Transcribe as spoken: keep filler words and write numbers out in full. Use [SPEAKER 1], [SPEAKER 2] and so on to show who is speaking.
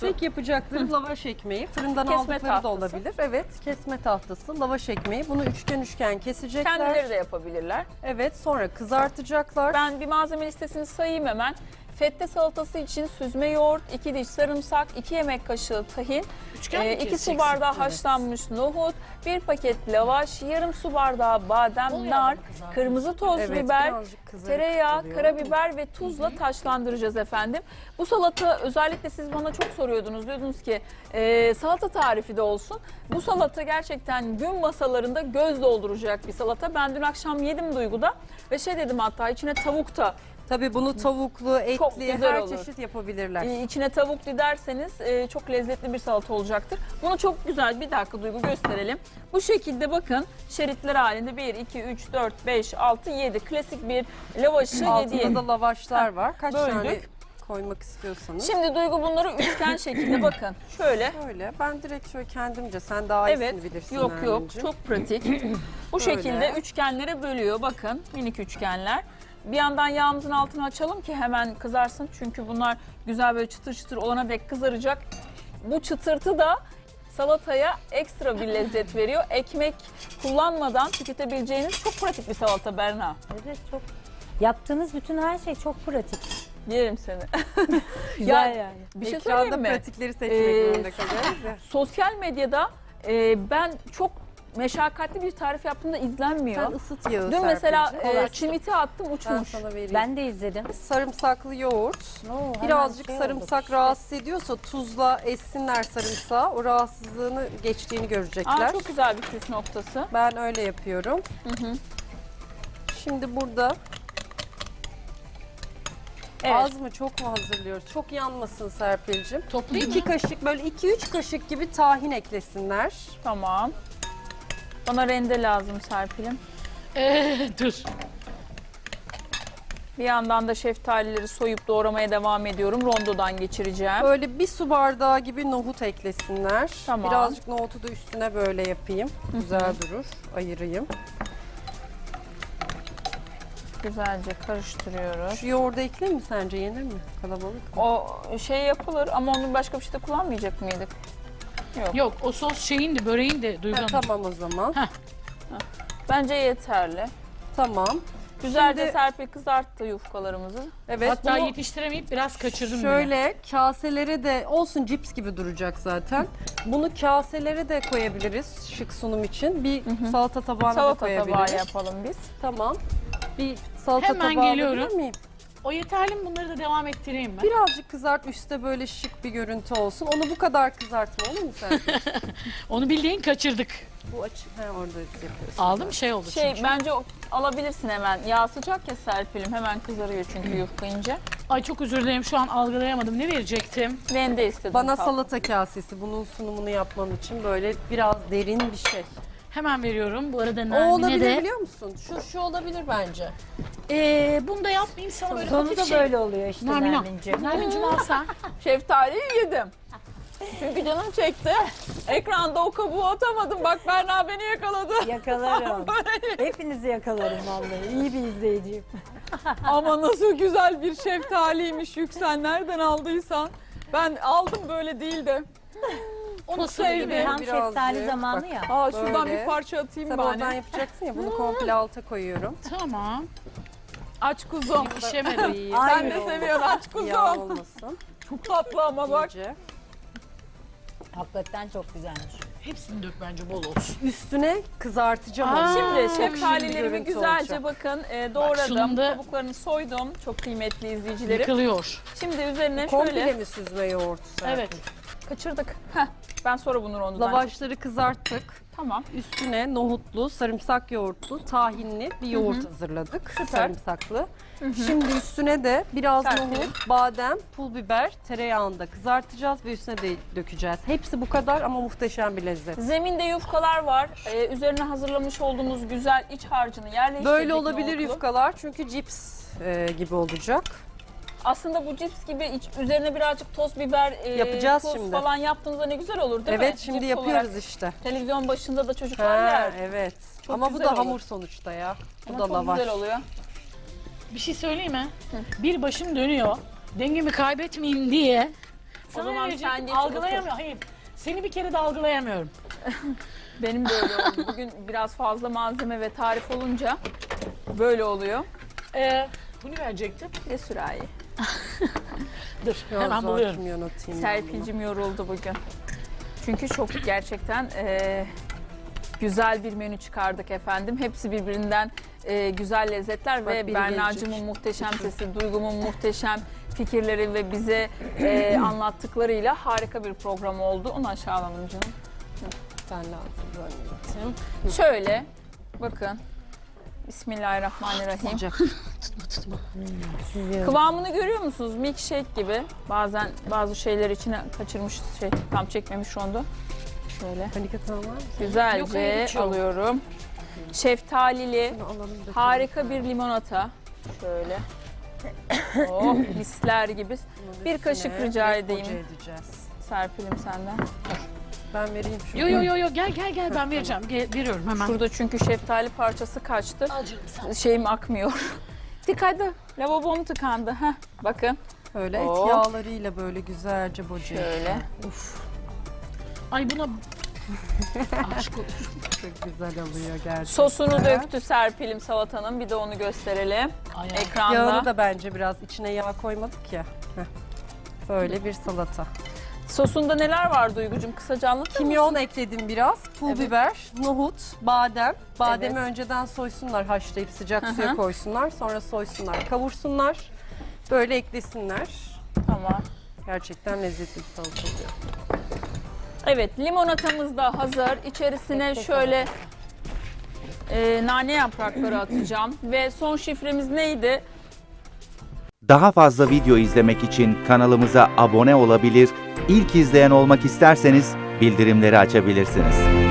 [SPEAKER 1] Tek yapacakları lavaş ekmeği. Fırından
[SPEAKER 2] Kesme
[SPEAKER 1] aldıkları
[SPEAKER 2] tahtası.
[SPEAKER 1] da olabilir. Evet, kesme tahtası, lavaş ekmeği. Bunu üçgen üçgen kesecekler.
[SPEAKER 2] Kendileri de yapabilirler.
[SPEAKER 1] Evet, sonra kızartacaklar.
[SPEAKER 2] Ben bir malzeme listesini sayayım hemen. Fette salatası için süzme yoğurt, iki diş sarımsak, iki yemek kaşığı tahin,
[SPEAKER 3] Üçgen mi
[SPEAKER 2] iki su
[SPEAKER 3] keseceksin?
[SPEAKER 2] bardağı
[SPEAKER 1] Evet.
[SPEAKER 2] haşlanmış nohut, bir paket lavaş, yarım su bardağı badem,
[SPEAKER 3] Oluyor
[SPEAKER 2] nar,
[SPEAKER 3] ama kızartması.
[SPEAKER 2] kırmızı toz
[SPEAKER 1] Evet,
[SPEAKER 2] biber,
[SPEAKER 1] birazcık kızarık
[SPEAKER 2] tereyağı,
[SPEAKER 1] oluyor.
[SPEAKER 2] karabiber ve tuzla taşlandıracağız efendim. Bu salata özellikle siz bana çok soruyordunuz. Diyordunuz ki e, salata tarifi de olsun. Bu salata gerçekten gün masalarında göz dolduracak bir salata. Ben dün akşam yedim Duygu'da ve şey dedim, hatta içine tavuk da
[SPEAKER 1] Tabii bunu tavuklu,
[SPEAKER 2] Çok
[SPEAKER 1] etli,
[SPEAKER 2] güzel
[SPEAKER 1] her
[SPEAKER 2] olur.
[SPEAKER 1] çeşit yapabilirler.
[SPEAKER 2] Ee, içine tavuk dilerseniz e, çok lezzetli bir salata olacaktır. Bunu çok güzel, bir dakika Duygu, gösterelim. Bu şekilde bakın, şeritler halinde bir, iki, üç, dört, beş, altı, yedi klasik bir lavaşı
[SPEAKER 1] Altında
[SPEAKER 2] yedi.
[SPEAKER 1] da lavaşlar var. Kaç
[SPEAKER 2] böldük.
[SPEAKER 1] tane koymak istiyorsanız.
[SPEAKER 2] Şimdi Duygu bunları üçgen şekilde bakın şöyle.
[SPEAKER 1] Şöyle, ben direkt şöyle kendimce, sen daha
[SPEAKER 2] Evet,
[SPEAKER 1] iyisini bilirsin.
[SPEAKER 2] yok yok,
[SPEAKER 1] Nermin'ciğim.
[SPEAKER 2] çok pratik. Bu
[SPEAKER 1] Böyle.
[SPEAKER 2] şekilde üçgenlere bölüyor, bakın minik üçgenler. Bir yandan yağımızın altını açalım ki hemen kızarsın. Çünkü bunlar güzel böyle çıtır çıtır olana dek kızaracak. Bu çıtırtı da salataya ekstra bir lezzet veriyor. Ekmek kullanmadan tüketebileceğiniz çok pratik bir salata Berna.
[SPEAKER 4] Evet, çok. Yaptığınız bütün her şey çok pratik.
[SPEAKER 2] Yerim seni.
[SPEAKER 4] Güzel
[SPEAKER 2] Ya,
[SPEAKER 4] yani.
[SPEAKER 2] Bir şey
[SPEAKER 1] Ekranda
[SPEAKER 2] söyleyeyim mi?
[SPEAKER 1] pratikleri seçmek
[SPEAKER 2] Ee,
[SPEAKER 1] zorunda kalıyoruz ya.
[SPEAKER 2] Sosyal medyada e, ben çok meşakkatli bir tarif yaptığımda izlenmiyor.
[SPEAKER 1] Sen ısıt yağı
[SPEAKER 2] Dün mesela
[SPEAKER 1] Serpil'ciğim.
[SPEAKER 2] e, çimiti attım,
[SPEAKER 1] Ben
[SPEAKER 2] uçmuş.
[SPEAKER 1] sana vereyim.
[SPEAKER 4] Ben de izledim.
[SPEAKER 1] Sarımsaklı yoğurt.
[SPEAKER 4] Oo, hemen
[SPEAKER 1] Birazcık
[SPEAKER 4] şey
[SPEAKER 1] sarımsak
[SPEAKER 4] oldu.
[SPEAKER 1] rahatsız ediyorsa tuzla essinler sarımsağı. O rahatsızlığını geçtiğini görecekler.
[SPEAKER 2] Aa, çok güzel bir püf noktası.
[SPEAKER 1] Ben öyle yapıyorum.
[SPEAKER 2] Hı hı.
[SPEAKER 1] Şimdi burada
[SPEAKER 2] Evet.
[SPEAKER 1] az mı çok mu hazırlıyoruz? Çok yanmasın Serpil'ciğim.
[SPEAKER 3] Toplayayım
[SPEAKER 1] İki
[SPEAKER 3] mı?
[SPEAKER 1] kaşık, böyle iki üç kaşık gibi tahin eklesinler.
[SPEAKER 2] Tamam. Bana rende lazım Serpil'im.
[SPEAKER 3] Ee, dur.
[SPEAKER 2] Bir yandan da şeftalileri soyup doğramaya devam ediyorum. Rondodan geçireceğim.
[SPEAKER 1] Böyle bir su bardağı gibi nohut eklesinler.
[SPEAKER 2] Tamam.
[SPEAKER 1] Birazcık nohutu da üstüne böyle yapayım. Güzel durur. Ayırayım.
[SPEAKER 2] Güzelce karıştırıyoruz.
[SPEAKER 1] Şu yoğurdu ekleyeyim mi sence? Yenir mi? Kalabalık mı?
[SPEAKER 2] O şey yapılır ama onu başka bir şeyde kullanmayacak mıydık? Yok.
[SPEAKER 3] Yok, o sos şeyin de böreğin de Duygu
[SPEAKER 1] Ha,
[SPEAKER 3] Hanım.
[SPEAKER 1] tamam o zaman.
[SPEAKER 2] Bence yeterli.
[SPEAKER 1] Tamam.
[SPEAKER 2] Güzelce
[SPEAKER 1] Şimdi-
[SPEAKER 2] Serpil kızarttı yufkalarımızı.
[SPEAKER 1] Evet.
[SPEAKER 3] Hatta
[SPEAKER 1] bunu
[SPEAKER 3] yetiştiremeyip biraz kaçırdım bile.
[SPEAKER 1] şöyle kaselere de olsun, cips gibi duracak zaten. Bunu kaselere de koyabiliriz şık sunum için. Bir salata tabağına da
[SPEAKER 2] Salata
[SPEAKER 1] koyabiliriz.
[SPEAKER 2] tabağı yapalım biz.
[SPEAKER 1] Tamam. Bir salata
[SPEAKER 3] Hemen
[SPEAKER 1] tabağı
[SPEAKER 3] geliyorum.
[SPEAKER 1] alabilir miyim?
[SPEAKER 3] O yeterli mi? Bunları da devam ettireyim mi?
[SPEAKER 1] Birazcık kızart, üstte böyle şık bir görüntü olsun. Onu bu kadar kızartma, olur mu sen?
[SPEAKER 3] Onu bildiğin kaçırdık.
[SPEAKER 1] Bu açık. He, orada yapıyorsun.
[SPEAKER 3] Aldım, şey oldu
[SPEAKER 2] Şey
[SPEAKER 3] çünkü.
[SPEAKER 2] bence o- alabilirsin hemen. Yağ sıcak ya Serpil'im. Hemen kızarıyor çünkü yufka ince.
[SPEAKER 3] Ay çok özür dilerim, şu an algılayamadım. Ne verecektim?
[SPEAKER 2] Rende istedim.
[SPEAKER 1] Bana
[SPEAKER 2] tatlım.
[SPEAKER 1] salata kasesi, bunun sunumunu yapmam için böyle biraz derin bir şey.
[SPEAKER 3] Hemen veriyorum. Bu arada
[SPEAKER 1] O
[SPEAKER 3] Nermin'e
[SPEAKER 1] olabilir
[SPEAKER 3] de.
[SPEAKER 1] biliyor musun? Şu şu olabilir bence.
[SPEAKER 3] Ee, bunu da yapmayayım sana böyle
[SPEAKER 4] Sonu
[SPEAKER 3] hafif
[SPEAKER 4] da
[SPEAKER 3] şey.
[SPEAKER 4] böyle oluyor işte
[SPEAKER 3] Nermin al.
[SPEAKER 4] Nermin'ciğim.
[SPEAKER 3] Nermin'cim al sen.
[SPEAKER 2] Şeftaliyi yedim. Çünkü canım çekti. Ekranda o kabuğu atamadım. Bak Berna beni yakaladı.
[SPEAKER 4] Yakalarım. Hepinizi yakalarım vallahi. İyi bir izleyiciyim.
[SPEAKER 2] Ama nasıl güzel bir şeftaliymiş Yüksel. Nereden aldıysan. Ben aldım, böyle değil de.
[SPEAKER 3] O nasıl
[SPEAKER 2] sevdim.
[SPEAKER 3] gibi?
[SPEAKER 4] Tam
[SPEAKER 1] Birazcık,
[SPEAKER 4] şeftali zamanı
[SPEAKER 1] bak.
[SPEAKER 4] ya.
[SPEAKER 2] Aa, şuradan
[SPEAKER 1] Böyle.
[SPEAKER 2] bir parça atayım
[SPEAKER 1] Sen
[SPEAKER 2] bari.
[SPEAKER 1] oradan yapacaksın ya, bunu komple alta koyuyorum.
[SPEAKER 3] Tamam.
[SPEAKER 2] Aç kuzum.
[SPEAKER 3] Pişemedim.
[SPEAKER 1] İyi.
[SPEAKER 2] Sen
[SPEAKER 4] Aynen.
[SPEAKER 2] de seviyorsun aç
[SPEAKER 1] Yağ
[SPEAKER 2] kuzum.
[SPEAKER 1] olmasın.
[SPEAKER 2] Çok tatlı ama bak.
[SPEAKER 1] İyice.
[SPEAKER 4] Hakikaten çok güzelmiş.
[SPEAKER 3] Hepsini dök bence, bol olsun.
[SPEAKER 1] Üstüne kızartacağım
[SPEAKER 3] Aa,
[SPEAKER 1] onu.
[SPEAKER 2] Şimdi
[SPEAKER 1] Çok şirin
[SPEAKER 2] şeftalilerimi
[SPEAKER 1] görüntü
[SPEAKER 2] güzelce
[SPEAKER 1] olacak.
[SPEAKER 2] bakın e, doğradım.
[SPEAKER 3] sunumda-
[SPEAKER 2] Kabuklarını soydum. Çok kıymetli izleyicilerim.
[SPEAKER 3] Yıkılıyor.
[SPEAKER 2] Şimdi üzerine
[SPEAKER 1] Komple
[SPEAKER 2] şöyle
[SPEAKER 1] mi süzme yoğurt? Serpil?
[SPEAKER 3] Evet.
[SPEAKER 2] kaçırdık. Heh, ben sonra bunu rondodan
[SPEAKER 1] Lavaşları kızarttık.
[SPEAKER 2] Tamam.
[SPEAKER 1] Üstüne nohutlu, sarımsak yoğurtlu, tahinli bir yoğurt hazırladık. Sarımsaklı. Şimdi üstüne de biraz
[SPEAKER 2] Serpil.
[SPEAKER 1] nohut, badem, pul biber, tereyağında kızartacağız ve üstüne de dökeceğiz. Hepsi bu kadar ama muhteşem bir lezzet.
[SPEAKER 2] Zeminde yufkalar var. Ee, üzerine hazırlamış olduğumuz güzel iç harcını yerleştirdik.
[SPEAKER 1] Böyle olabilir
[SPEAKER 2] nohutlu.
[SPEAKER 1] yufkalar çünkü cips e, gibi olacak.
[SPEAKER 2] Aslında bu cips gibi iç, üzerine birazcık toz biber, e,
[SPEAKER 1] Yapacağız
[SPEAKER 2] tuz
[SPEAKER 1] şimdi.
[SPEAKER 2] falan yaptığınızda ne güzel olur değil mi?
[SPEAKER 1] Evet, şimdi
[SPEAKER 2] Cips
[SPEAKER 1] yapıyoruz
[SPEAKER 2] olarak.
[SPEAKER 1] işte.
[SPEAKER 2] Televizyon başında da
[SPEAKER 1] Ha,
[SPEAKER 2] çocuklar yer.
[SPEAKER 1] evet.
[SPEAKER 2] Çok
[SPEAKER 1] Ama bu
[SPEAKER 2] güzel
[SPEAKER 1] da
[SPEAKER 2] olur.
[SPEAKER 1] hamur sonuçta ya. Bu
[SPEAKER 2] Ama
[SPEAKER 1] da
[SPEAKER 2] çok
[SPEAKER 1] lavaş.
[SPEAKER 2] güzel oluyor.
[SPEAKER 3] Bir şey söyleyeyim mi? Bir başım dönüyor. Dengemi kaybetmeyeyim diye Sana
[SPEAKER 2] zaman
[SPEAKER 3] ne diyecektim?
[SPEAKER 2] sen geç
[SPEAKER 3] Algılayamıyorum. Hayır. Seni bir kere de algılayamıyorum.
[SPEAKER 2] Benim de öyle oldu. Bugün biraz fazla malzeme ve tarif olunca böyle oluyor.
[SPEAKER 3] Ee, bunu verecektim.
[SPEAKER 2] Ve sürahi.
[SPEAKER 3] Dur
[SPEAKER 1] Biraz
[SPEAKER 3] hemen
[SPEAKER 1] zor
[SPEAKER 3] buluyorum.
[SPEAKER 1] kimyon atayım ben buna.
[SPEAKER 2] Serpil'cim yoruldu bugün. Çünkü çok gerçekten e, güzel bir menü çıkardık efendim. Hepsi birbirinden e, güzel lezzetler
[SPEAKER 1] Bak
[SPEAKER 2] ve
[SPEAKER 1] biri
[SPEAKER 2] Berna'cığımın
[SPEAKER 1] gelecek.
[SPEAKER 2] muhteşem sesi, Duygu'mun muhteşem fikirleri ve bize e, anlattıklarıyla harika bir program oldu. Onu aşağılamam canım.
[SPEAKER 1] Ben lazım böyle.
[SPEAKER 2] Şöyle bakın. Bismillahirrahmanirrahim.
[SPEAKER 1] Sıcak.
[SPEAKER 3] Tutma tutma.
[SPEAKER 2] Kıvamını görüyor musunuz? Milkshake gibi. Bazen bazı şeyler içine kaçırmış, şey tam çekmemiş onda. Şöyle
[SPEAKER 1] Panik atan var mı?
[SPEAKER 3] Yok,
[SPEAKER 2] güzelce
[SPEAKER 3] hayır, hiç yok.
[SPEAKER 2] alıyorum. Şeftalili
[SPEAKER 1] Şunu alalım da.
[SPEAKER 2] harika bir limonata. Şöyle. Oh misler gibi.
[SPEAKER 1] Bunun
[SPEAKER 2] bir
[SPEAKER 1] üstüne
[SPEAKER 2] kaşık rica
[SPEAKER 1] Black
[SPEAKER 2] edeyim.
[SPEAKER 1] Boca edeceğiz.
[SPEAKER 2] Serpil'im senden.
[SPEAKER 1] Ben vereyim şunu.
[SPEAKER 3] Yo yo yo yo gel gel gel ben vereceğim. Gel, veriyorum hemen.
[SPEAKER 2] Şurada çünkü şeftali parçası kaçtı.
[SPEAKER 3] Al canım sen.
[SPEAKER 2] Şeyim akmıyor. Tıkadı. Lavabom tıkandı. Heh, bakın.
[SPEAKER 1] Öyle et
[SPEAKER 2] Oh.
[SPEAKER 1] yağlarıyla böyle güzelce boca.
[SPEAKER 2] Şöyle.
[SPEAKER 1] Uf,
[SPEAKER 3] Ay buna aşk olur.
[SPEAKER 1] çok güzel oluyor gerçekten.
[SPEAKER 2] Sosunu döktü Serpil'im salatanın. Bir de onu gösterelim.
[SPEAKER 3] Ay, ay.
[SPEAKER 2] Ekranda.
[SPEAKER 1] Yağını da bence biraz içine yağ koymadık ya. Heh. Böyle bir salata.
[SPEAKER 2] Sosunda neler var Duygucuğum? Kısaca anlatır mısın?
[SPEAKER 1] Kimyon ekledim biraz. Pul
[SPEAKER 2] Evet.
[SPEAKER 1] biber, nohut, badem. Bademi
[SPEAKER 2] Evet.
[SPEAKER 1] önceden soysunlar, haşlayıp sıcak
[SPEAKER 2] Hı
[SPEAKER 1] suya
[SPEAKER 2] hı.
[SPEAKER 1] koysunlar. Sonra soysunlar, kavursunlar. Böyle eklesinler.
[SPEAKER 2] Tamam.
[SPEAKER 1] Gerçekten lezzetli bir salata oluyor.
[SPEAKER 2] Evet, limonatamız da hazır. İçerisine
[SPEAKER 1] Bekle
[SPEAKER 2] şöyle e, nane yaprakları atacağım. Ve son şifremiz neydi?
[SPEAKER 5] Daha fazla video izlemek için kanalımıza abone olabilir, ilk izleyen olmak isterseniz bildirimleri açabilirsiniz.